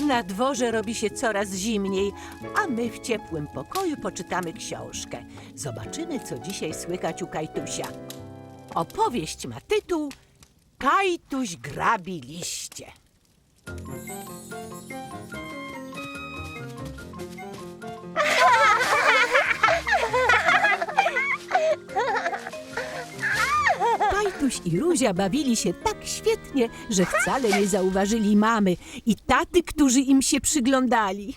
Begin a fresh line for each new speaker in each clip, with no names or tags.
Na dworze robi się coraz zimniej, a my w ciepłym pokoju poczytamy książkę. Zobaczymy, co dzisiaj słychać u Kajtusia. Opowieść ma tytuł Kajtuś grabi liście. Kajtuś i Ruzia bawili się tak świetnie, że wcale nie zauważyli mamy i taty, którzy im się przyglądali.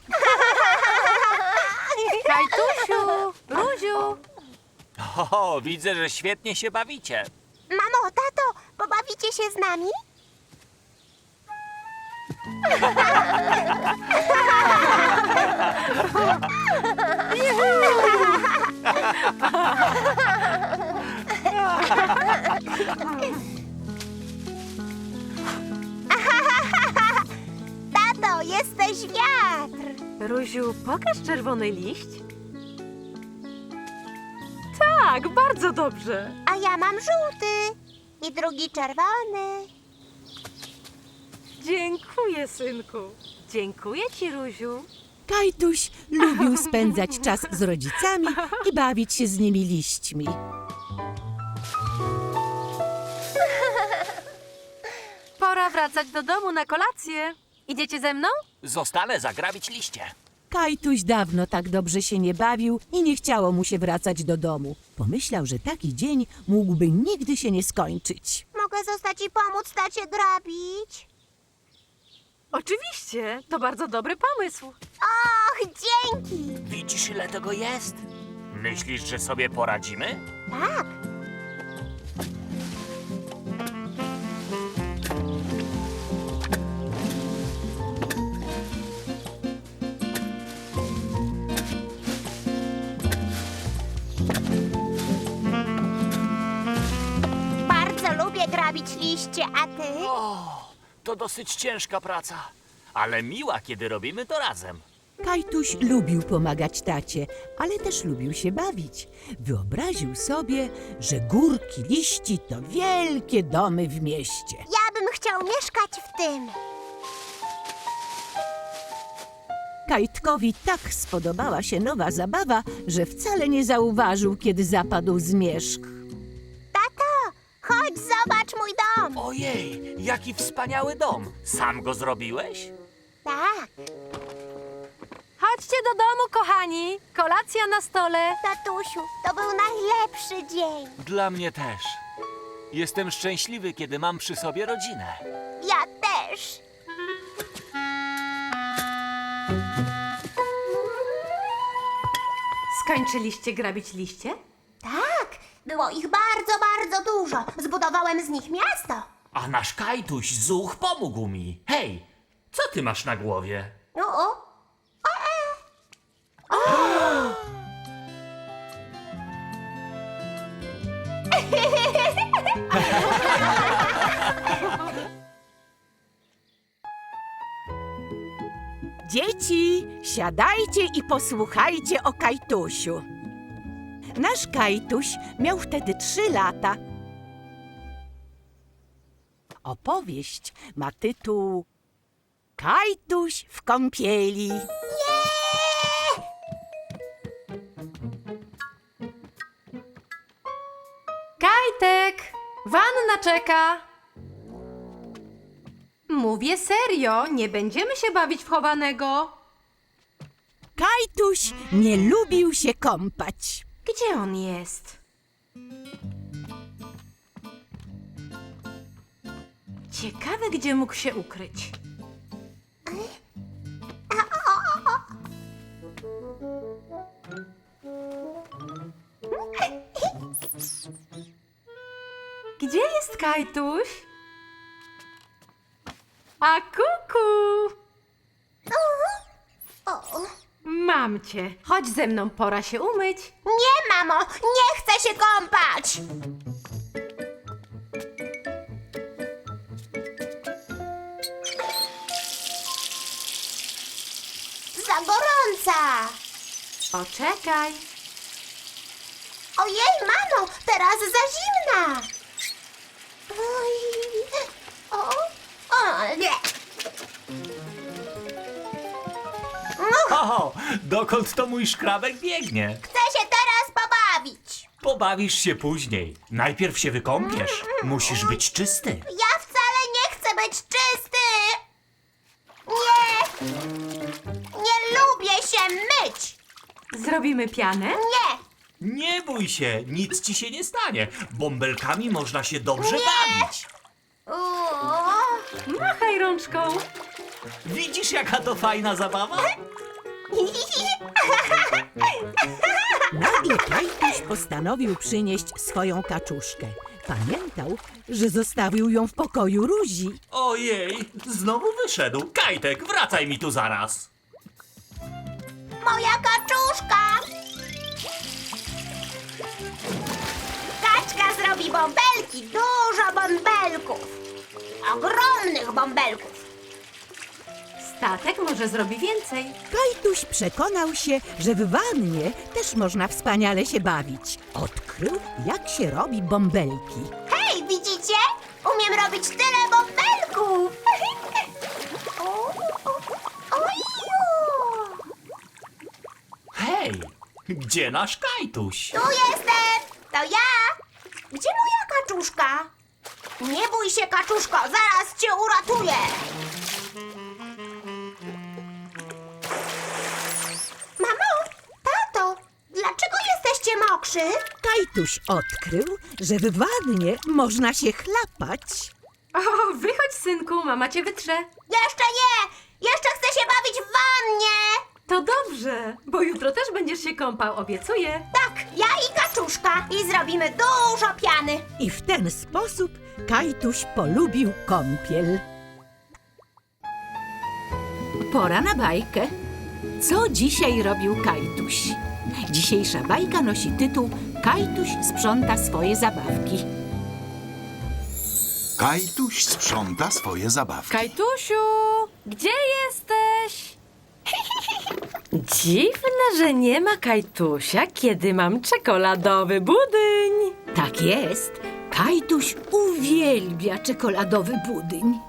Kajtusiu, Ruziu,
O, widzę, że świetnie się bawicie.
Mamo, tato, pobawicie się z nami? Tato, jesteś wiatr!
Ruziu, pokaż czerwony liść. Tak, bardzo dobrze.
A ja mam żółty i drugi czerwony.
Dziękuję, synku. Dziękuję ci, Ruziu.
Kajtuś lubił spędzać czas z rodzicami i bawić się z nimi liśćmi.
Pora wracać do domu na kolację. Idziecie ze mną?
Zostanę zagrabić liście.
Kajtuś dawno tak dobrze się nie bawił i nie chciało mu się wracać do domu. Pomyślał, że taki dzień mógłby nigdy się nie skończyć.
Mogę zostać i pomóc tacie grabić?
Oczywiście, to bardzo dobry pomysł.
Och, dzięki!
Widzisz, ile tego jest? Myślisz, że sobie poradzimy?
Tak. Bardzo lubię grabić liście, a ty?
O, to dosyć ciężka praca, ale miła, kiedy robimy to razem.
Kajtuś lubił pomagać tacie, ale też lubił się bawić. Wyobraził sobie, że górki liści to wielkie domy w mieście.
Ja bym chciał mieszkać w tym.
Kajtkowi tak spodobała się nowa zabawa, że wcale nie zauważył, kiedy zapadł zmierzch.
Tato, chodź zobacz mój dom.
Ojej, jaki wspaniały dom. Sam go zrobiłeś?
Tak,
Chodźcie do domu, kochani. Kolacja na stole.
tatusiu, to był najlepszy dzień.
Dla mnie też. Jestem szczęśliwy, kiedy mam przy sobie rodzinę.
Ja też.
Skończyliście grabić liście?
Tak, było ich bardzo, bardzo dużo. Zbudowałem z nich miasto.
A nasz Kajtuś Zuch pomógł mi. Hej, co ty masz na głowie?
O.
Dzieci, siadajcie i posłuchajcie o Kajtusiu. Nasz Kajtuś miał wtedy 3 lata. Opowieść ma tytuł Kajtuś w kąpieli.
Kajtek, wanna czeka. Mówię serio, nie będziemy się bawić w chowanego.
Kajtuś nie lubił się kąpać.
Gdzie on jest? Ciekawe, gdzie mógł się ukryć. Gdzie jest Kajtuś? A kuku!
O.
Mam cię. Chodź ze mną, pora się umyć.
Nie, mamo, nie chcę się kąpać. Za gorąca.
Poczekaj.
Ojej, mamo, teraz za zimna. Oj. O, nie.
O, dokąd to mój szkrabek biegnie?
Chcę się teraz pobawić.
Pobawisz się później. Najpierw się wykąpiesz. Musisz być czysty.
Ja wcale nie chcę być czysty. Nie. Nie lubię się myć.
Zrobimy pianę?
Nie.
Nie bój się, nic ci się nie stanie. Bąbelkami można się dobrze bawić.
Uuu.
Machaj rączką.
Widzisz, jaka to fajna zabawa?
Nagle Kajtuś postanowił przynieść swoją kaczuszkę. Pamiętał, że zostawił ją w pokoju Ruzi.
Ojej, znowu wyszedł. Kajtek, wracaj mi tu zaraz.
Moja kaczuszka. Kaczka zrobi bąbelki. Dużo bąbelków. Ogromnych bąbelków.
Statek może zrobi więcej.
Kajtuś przekonał się, że w wannie też można wspaniale się bawić. Odkrył, jak się robi bąbelki.
Hej, widzicie? Umiem robić tyle bąbelków. Oju.
Hej, gdzie nasz Kajtuś?
Tu jestem! To ja! Gdzie moja kaczuszka? Nie bój się, kaczuszko, zaraz cię uratuję! Mamo, tato, dlaczego jesteście mokrzy?
Kajtuś odkrył, że w wannie można się chlapać.
O, wychodź, synku, mama cię wytrze.
Jeszcze nie! Jeszcze chcę się bawić w wannie!
To dobrze, bo jutro też będziesz się kąpał, obiecuję.
Tak, ja i kaczuszka i zrobimy dużo piany.
I w ten sposób Kajtuś polubił kąpiel. Pora na bajkę. Co dzisiaj robił Kajtuś? Dzisiejsza bajka nosi tytuł Kajtuś sprząta swoje zabawki.
Kajtuś sprząta swoje zabawki.
Kajtusiu, gdzie jesteś? Dziwne, że nie ma Kajtusia, kiedy mam czekoladowy budyń.
Tak jest. Kajtuś uwielbia czekoladowy budyń.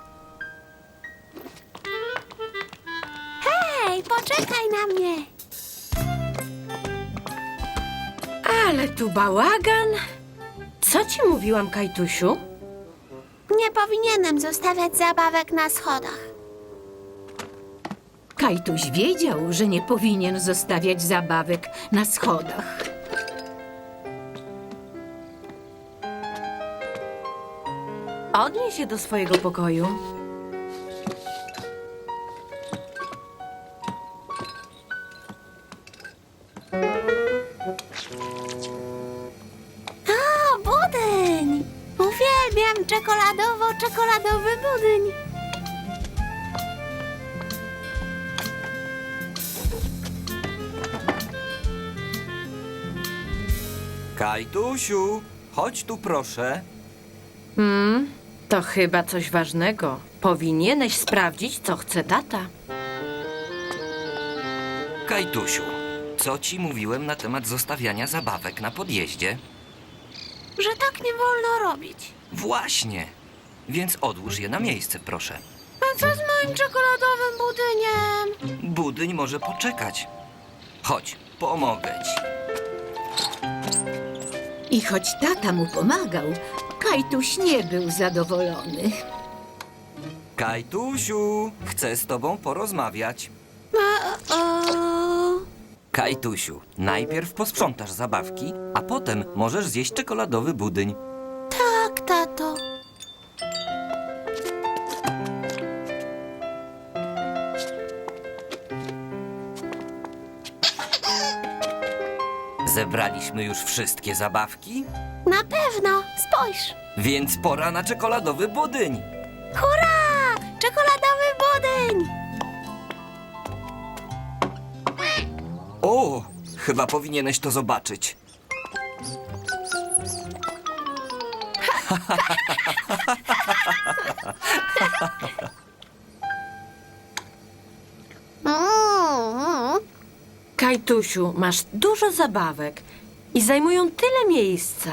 Hej, poczekaj na mnie.
Ale tu bałagan. Co ci mówiłam, Kajtusiu?
Nie powinienem zostawiać zabawek na schodach.
Kajtuś wiedział, że nie powinien zostawiać zabawek na schodach.
Odnieś się do swojego pokoju.
O, budyń! Uwielbiam czekoladowy budyń.
Kajtusiu, chodź tu proszę.
To chyba coś ważnego. Powinieneś sprawdzić, co chce tata.
Kajtusiu, co ci mówiłem na temat zostawiania zabawek na podjeździe?
Że tak nie wolno robić.
Właśnie. Więc odłóż je na miejsce, proszę.
A co z moim czekoladowym budyniem?
Budyń może poczekać. Chodź, pomogę ci.
I choć tata mu pomagał, Kajtuś nie był zadowolony.
Kajtusiu, chcę z tobą porozmawiać. Kajtusiu, najpierw posprzątasz zabawki, a potem możesz zjeść czekoladowy budyń.
Tak, tato.
Zebraliśmy już wszystkie zabawki,
Na pewno, spójrz.
więc pora na czekoladowy budyń.
Hurra! Czekoladowy budyń!
O, chyba powinieneś to zobaczyć.
Kajtusiu, masz dużo zabawek i zajmują tyle miejsca.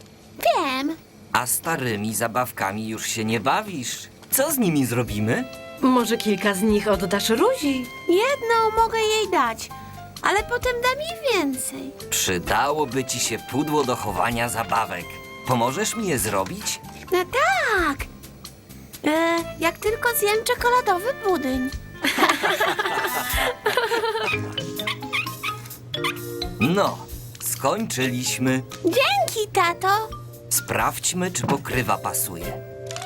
Wiem.
A starymi zabawkami już się nie bawisz. Co z nimi zrobimy?
Może kilka z nich oddasz Ruzi?
Jedną mogę jej dać, ale potem dam jej więcej.
Przydałoby ci się pudło do chowania zabawek. Pomożesz mi je zrobić?
No tak. Jak tylko zjem czekoladowy budyń.
No, skończyliśmy.
Dzięki, tato.
Sprawdźmy, czy pokrywa pasuje.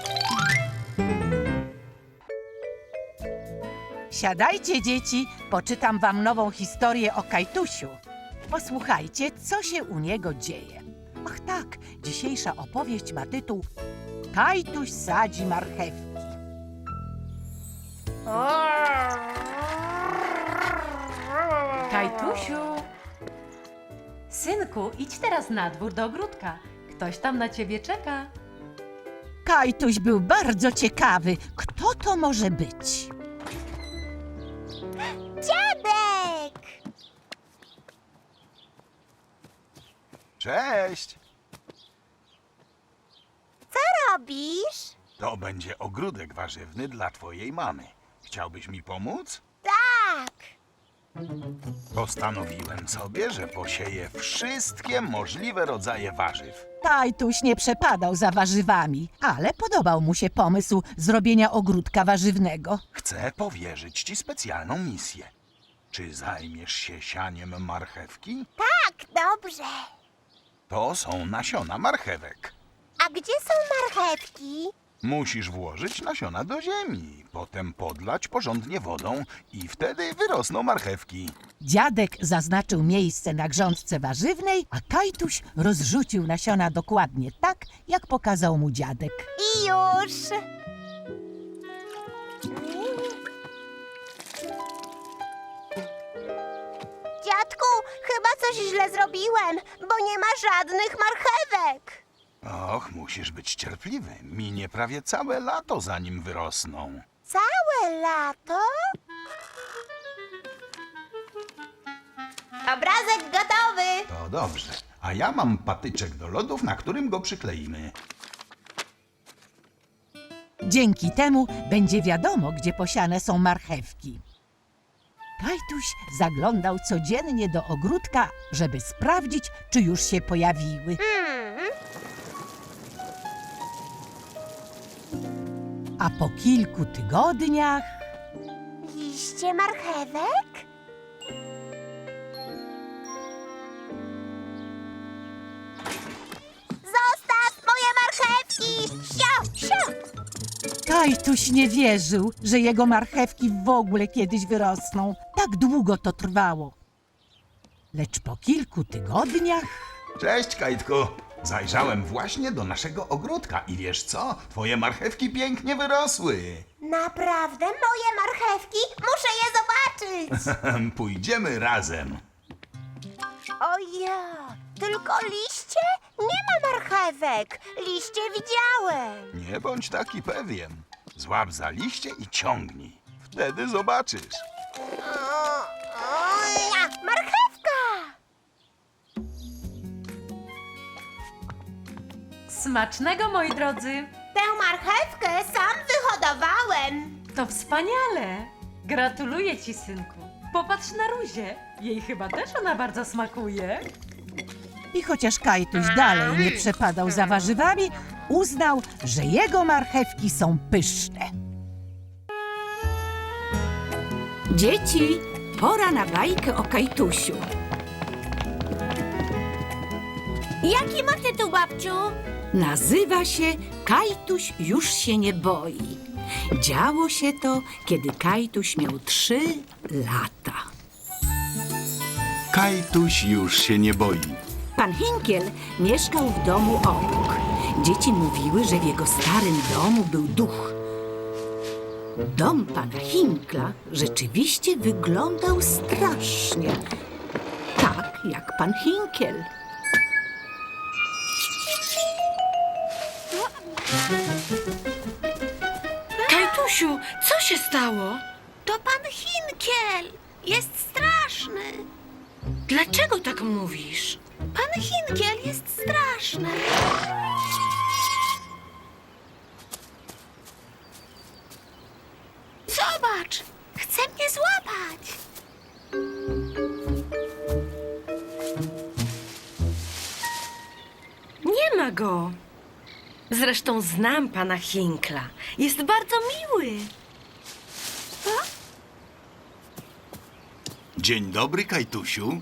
Siadajcie, dzieci, poczytam wam nową historię o Kajtusiu. Posłuchajcie, co się u niego dzieje. Ach tak, dzisiejsza opowieść ma tytuł Kajtuś sadzi marchewki.
Kajtusiu! Synku, idź teraz na dwór do ogródka. Ktoś tam na ciebie czeka.
Kajtuś był bardzo ciekawy, kto to może być.
Dziadek!
Cześć!
Co robisz?
To będzie ogródek warzywny dla twojej mamy. Chciałbyś mi pomóc?
Tak.
Postanowiłem sobie, że posieję wszystkie możliwe rodzaje warzyw.
Kajtuś nie przepadał za warzywami, ale podobał mu się pomysł zrobienia ogródka warzywnego.
Chcę powierzyć ci specjalną misję. Czy zajmiesz się sianiem marchewki?
Tak, dobrze.
To są nasiona marchewek.
A gdzie są marchewki?
Musisz włożyć nasiona do ziemi, potem podlać porządnie wodą i wtedy wyrosną marchewki.
Dziadek zaznaczył miejsce na grządce warzywnej, a Kajtuś rozrzucił nasiona dokładnie tak, jak pokazał mu dziadek.
I już. Dziadku, chyba coś źle zrobiłem, bo nie ma żadnych marchewek.
Och, musisz być cierpliwy. Minie prawie całe lato, zanim wyrosną.
Całe lato? Obrazek gotowy.
To dobrze. A ja mam patyczek do lodów, na którym go przykleimy.
Dzięki temu będzie wiadomo, gdzie posiane są marchewki. Kajtuś zaglądał codziennie do ogródka, żeby sprawdzić, czy już się pojawiły. A po kilku tygodniach
Liście marchewek? Zostaw moje marchewki! Sio, sio!
Kajtuś nie wierzył, że jego marchewki w ogóle kiedyś wyrosną. Tak długo to trwało. Lecz po kilku tygodniach
Cześć, Kajtku. Zajrzałem właśnie do naszego ogródka i wiesz co? Twoje marchewki pięknie wyrosły.
Naprawdę moje marchewki? Muszę je zobaczyć!
Pójdziemy razem.
Oja, tylko liście? Nie ma marchewek. Liście widziałem.
Nie bądź taki pewien. Złap za liście i ciągnij. Wtedy zobaczysz.
Oja, marchewka!
Smacznego, moi drodzy!
Tę marchewkę sam wyhodowałem.
To wspaniale! Gratuluję ci, synku. Popatrz na Ruzię. Jej chyba też ona bardzo smakuje.
i chociaż Kajtuś dalej nie przepadał za warzywami, uznał, że jego marchewki są pyszne.
Dzieci, pora na bajkę o Kajtusiu.
Jaki ma tytuł, babciu?
Nazywa się Kajtuś już się nie boi. Działo się to, kiedy Kajtuś miał 3 lata.
Kajtuś już się nie boi.
Pan Hinkiel mieszkał w domu obok. Dzieci mówiły, że w jego starym domu był duch. Dom pana Hinkla rzeczywiście wyglądał strasznie. Tak jak pan Hinkiel.
Kajtusiu, co się stało?
To pan Hinkiel. Jest straszny.
Dlaczego tak mówisz?
Pan Hinkiel jest straszny. Zobacz! Chce mnie złapać!
Nie ma go. Zresztą znam pana Hinkla. Jest bardzo miły.
Dzień dobry, Kajtusiu.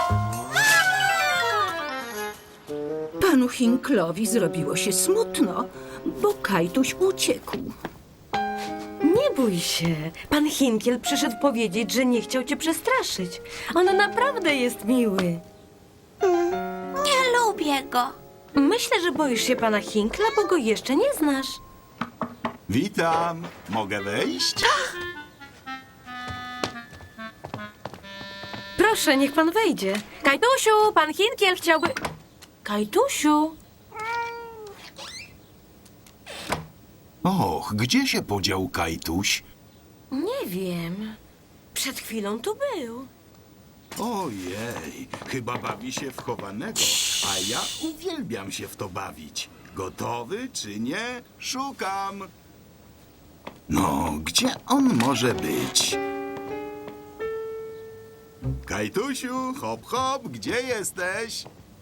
Panu Hinklowi zrobiło się smutno, bo Kajtuś uciekł.
Nie bój się. Pan Hinkiel przyszedł powiedzieć, że nie chciał cię przestraszyć. On naprawdę jest miły.
Nie lubię go.
Myślę, że boisz się pana Hinkla, bo go jeszcze nie znasz.
Witam. Mogę wejść?
Proszę, niech pan wejdzie. Kajtusiu, pan Hinkiel chciałby... Kajtusiu!
Och, gdzie się podział Kajtuś?
Nie wiem. Przed chwilą tu był.
Ojej, chyba bawi się w chowanego, a ja uwielbiam się w to bawić. Gotowy czy nie? Szukam. No, gdzie on może być? Kajtusiu, hop, hop, gdzie jesteś?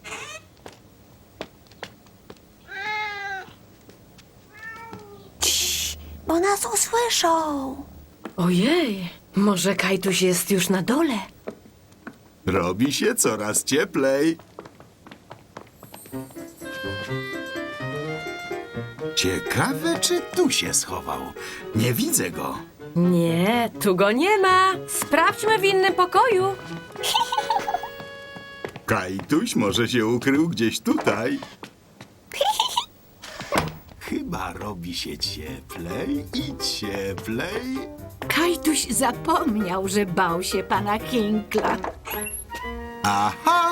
Bo nas usłyszą.
Ojej, może Kajtuś jest już na dole?
Robi się coraz cieplej. Ciekawe, czy tu się schował. Nie widzę go.
Nie, tu go nie ma. Sprawdźmy w innym pokoju.
Kajtuś może się ukrył gdzieś tutaj. Chyba robi się cieplej i cieplej.
Kajtuś zapomniał, że bał się pana Hinkla.
Aha!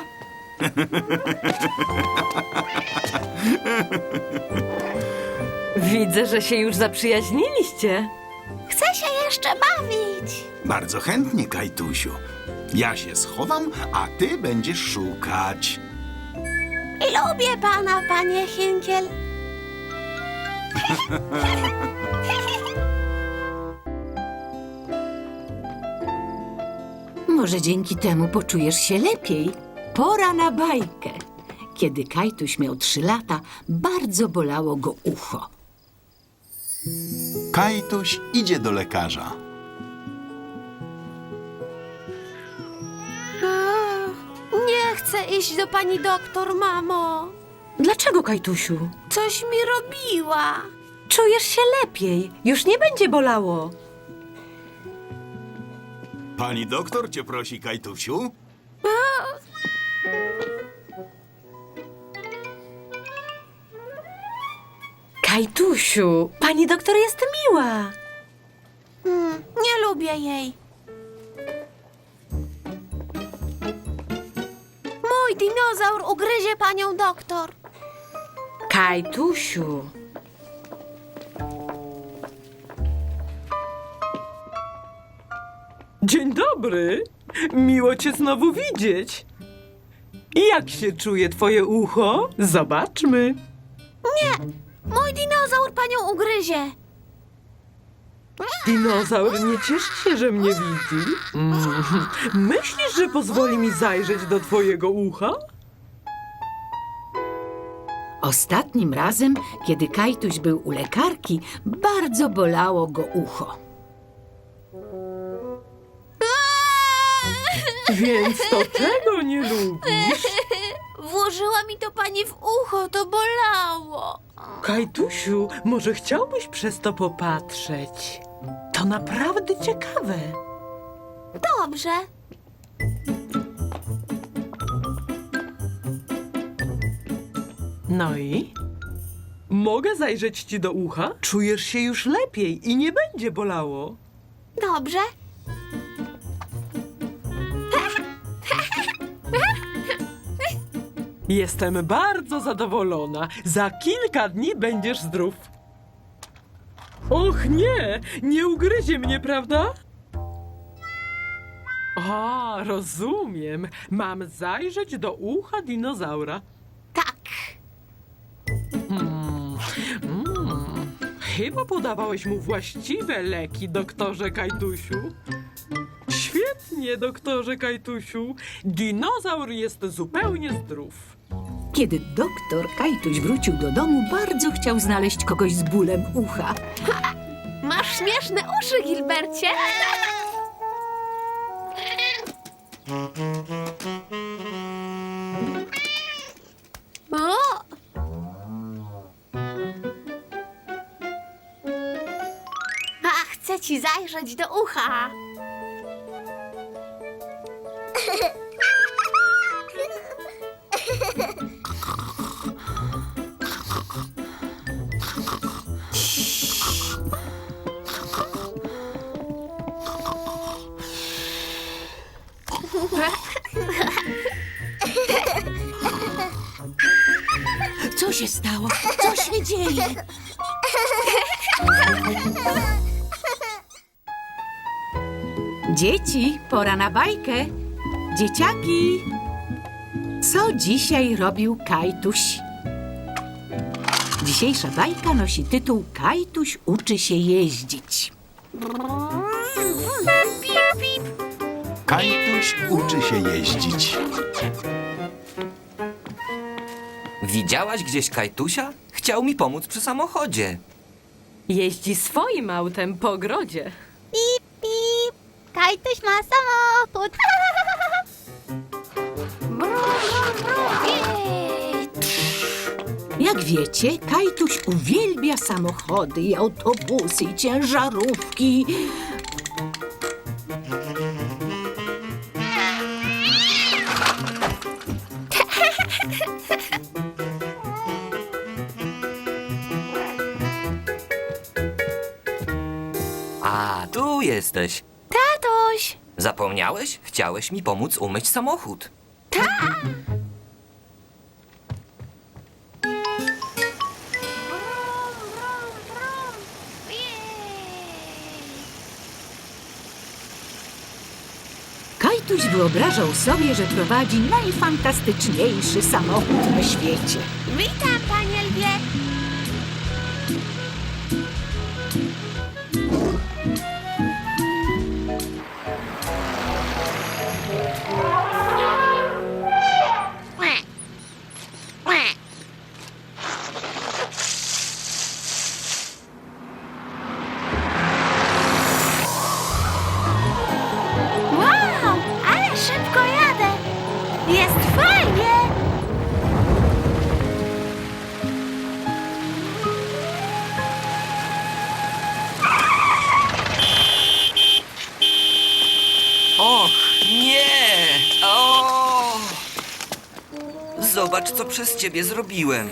Widzę, że się już zaprzyjaźniliście.
Chcę się jeszcze bawić.
Bardzo chętnie, Kajtusiu. Ja się schowam, a ty będziesz szukać.
Lubię pana, panie Hinkiel.
Może dzięki temu poczujesz się lepiej. Pora na bajkę. Kiedy Kajtuś miał 3 lata, bardzo bolało go ucho.
Kajtuś idzie do lekarza.
Nie chcę iść do pani doktor, mamo.
Dlaczego, Kajtusiu?
Coś mi robiła.
Czujesz się lepiej. Już nie będzie bolało.
Pani doktor cię prosi, Kajtusiu.
Kajtusiu, pani doktor jest miła.
Nie lubię jej. Mój dinozaur ugryzie panią doktor.
Kajtusiu.
Dzień dobry. Miło cię znowu widzieć. I jak się czuje twoje ucho? Zobaczmy.
Mój dinozaur panią ugryzie.
Dinozaur nie cieszy się, że mnie widzi. Myślisz, że pozwoli mi zajrzeć do twojego ucha?
Ostatnim razem, kiedy Kajtuś był u lekarki, bardzo bolało go ucho.
Więc to czego nie lubisz?
Włożyła mi to pani w ucho, to bolało.
Kajtusiu, może chciałbyś przez to popatrzeć? To naprawdę ciekawe.
Dobrze.
No i? Mogę zajrzeć ci do ucha? Czujesz się już lepiej i nie będzie bolało.
Dobrze.
Jestem bardzo zadowolona. Za kilka dni będziesz zdrów. Och nie, nie ugryzie mnie, prawda? A, rozumiem. Mam zajrzeć do ucha dinozaura.
Tak.
Chyba podawałeś mu właściwe leki, doktorze Kajtusiu. Świetnie, doktorze Kajtusiu. Dinozaur jest zupełnie zdrów.
Kiedy doktor Kajtuś wrócił do domu, bardzo chciał znaleźć kogoś z bólem ucha.
Masz śmieszne uszy, Gilbercie. O! A, chcę ci zajrzeć do ucha.
Co się stało? Co się dzieje? Dzieci, pora na bajkę. Dzieciaki, co dzisiaj robił Kajtuś? Dzisiejsza bajka nosi tytuł Kajtuś uczy się jeździć.
Kajtuś uczy się jeździć.
Widziałaś gdzieś Kajtusia? Chciał mi pomóc przy samochodzie.
Jeździ swoim autem po ogrodzie.
Pip, pip. Kajtuś ma samochód. Brum, brum, brum. Jej.
Jak wiecie, Kajtuś uwielbia samochody i autobusy i ciężarówki.
A, tu jesteś.
Tatuś!
Zapomniałeś? Chciałeś mi pomóc umyć samochód.
Kajtuś wyobrażał sobie, że prowadzi najfantastyczniejszy samochód na świecie.
Witam, panie lwie. Wow, ale szybko jadę. Jest fajnie.
Och, nie! O! Zobacz, co przez ciebie zrobiłem.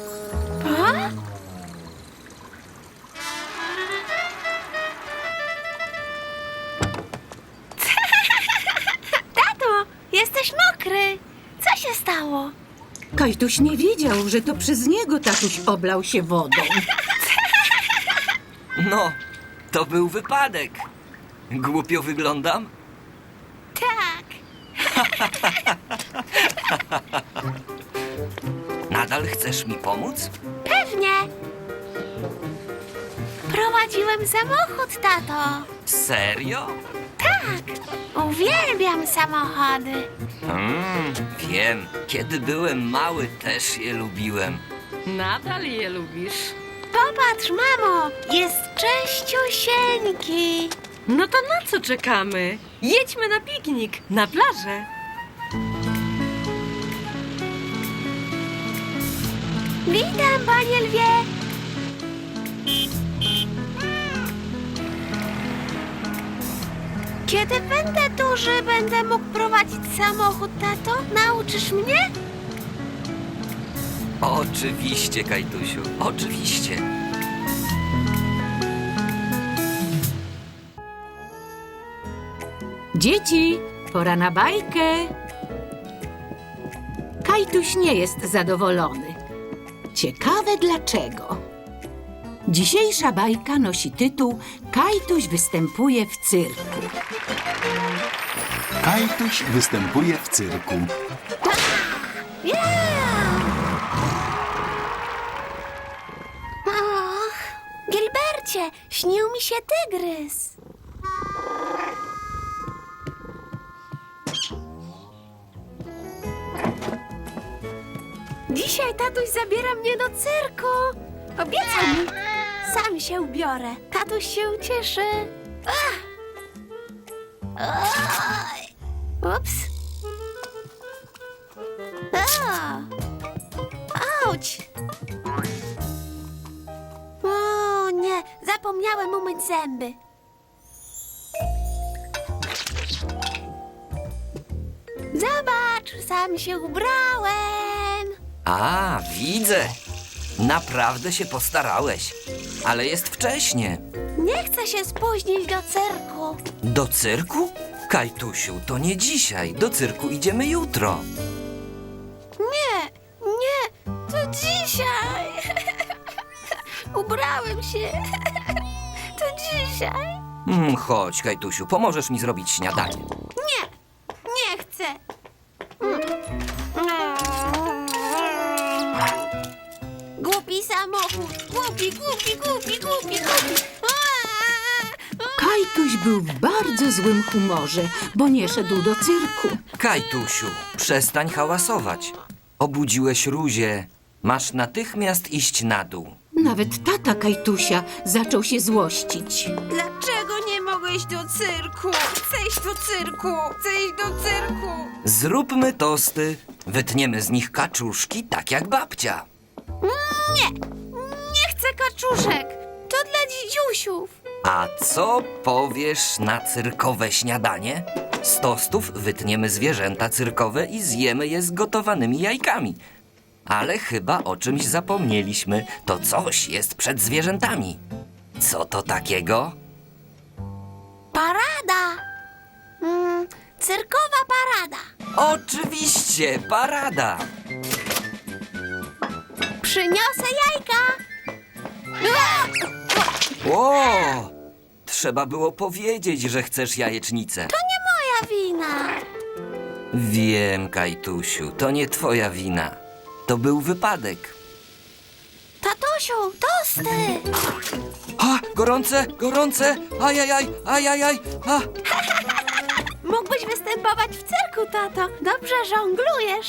Tato, jesteś mokry. Co się stało?
Kajtuś nie wiedział, że to przez niego tatuś oblał się wodą.
No, to był wypadek. Głupio wyglądam?
Tak.
Nadal chcesz mi pomóc?
Pewnie. Prowadziłem samochód, tato.
Serio?
Tak. Uwielbiam samochody.
Wiem. Kiedy byłem mały, też je lubiłem.
Nadal je lubisz.
Popatrz, mamo. Jest czyściusieńki.
No to na co czekamy? Jedźmy na piknik, na plażę.
Witam, panie lwie. Kiedy będę duży, będę mógł prowadzić samochód, tato? Nauczysz mnie?
Oczywiście, Kajtusiu, oczywiście.
Dzieci, pora na bajkę. Kajtuś nie jest zadowolony. Ciekawe dlaczego. Dzisiejsza bajka nosi tytuł Kajtuś występuje w cyrku.
Kajtuś występuje w cyrku.
Och, Gilbercie, się, śnił mi się tygrys. Dzisiaj tatuś zabiera mnie do cyrku. Obiecał mi. Sam się ubiorę. Tatuś się ucieszy. Oj. Ups. Auć. O nie, zapomniałem umyć zęby. Zobacz, sam się ubrałem.
A, widzę. Naprawdę się postarałeś. Ale jest wcześnie.
Nie chcę się spóźnić do cyrku.
Do cyrku? Kajtusiu, to nie dzisiaj. Do cyrku idziemy jutro.
Nie, to dzisiaj. Ubrałem się. To dzisiaj.
Chodź, Kajtusiu, pomożesz mi zrobić śniadanie.
Nie chcę. Głupi samochód. Głupi.
Kajtuś był w bardzo złym humorze, bo nie szedł do cyrku.
Kajtusiu, przestań hałasować. Obudziłeś Ruzię. Masz natychmiast iść na dół.
Nawet tata Kajtusia zaczął się złościć.
Dlaczego nie mogę iść do cyrku? Chcę iść do cyrku.
Zróbmy tosty. Wytniemy z nich kaczuszki, tak jak babcia.
Nie chcę kaczuszek. To dla dzidziusiów.
A co powiesz na cyrkowe śniadanie? Z tostów wytniemy zwierzęta cyrkowe i zjemy je z gotowanymi jajkami. Ale chyba o czymś zapomnieliśmy. To coś jest przed zwierzętami. Co to takiego?
Parada. Cyrkowa parada.
Oczywiście, parada!
Przyniosę jajka.
O! Trzeba było powiedzieć, że chcesz jajecznicę.
Moja wina.
Wiem, Kajtusiu, to nie twoja wina. To był wypadek.
Tatusiu, tosty.
A, gorące! Ajajaj! A!
Mógłbyś występować w cyrku, tato. Dobrze żonglujesz.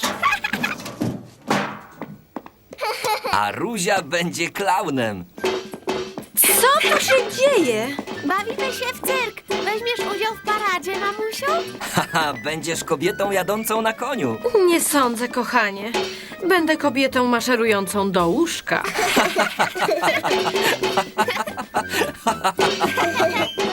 A Ruzia będzie klaunem.
Co tu się dzieje?
Bawimy się w cyrk. Weźmiesz udział w paradzie, mamusiu?
Haha, będziesz kobietą jadącą na koniu.
Nie sądzę, kochanie. Będę kobietą maszerującą do łóżka.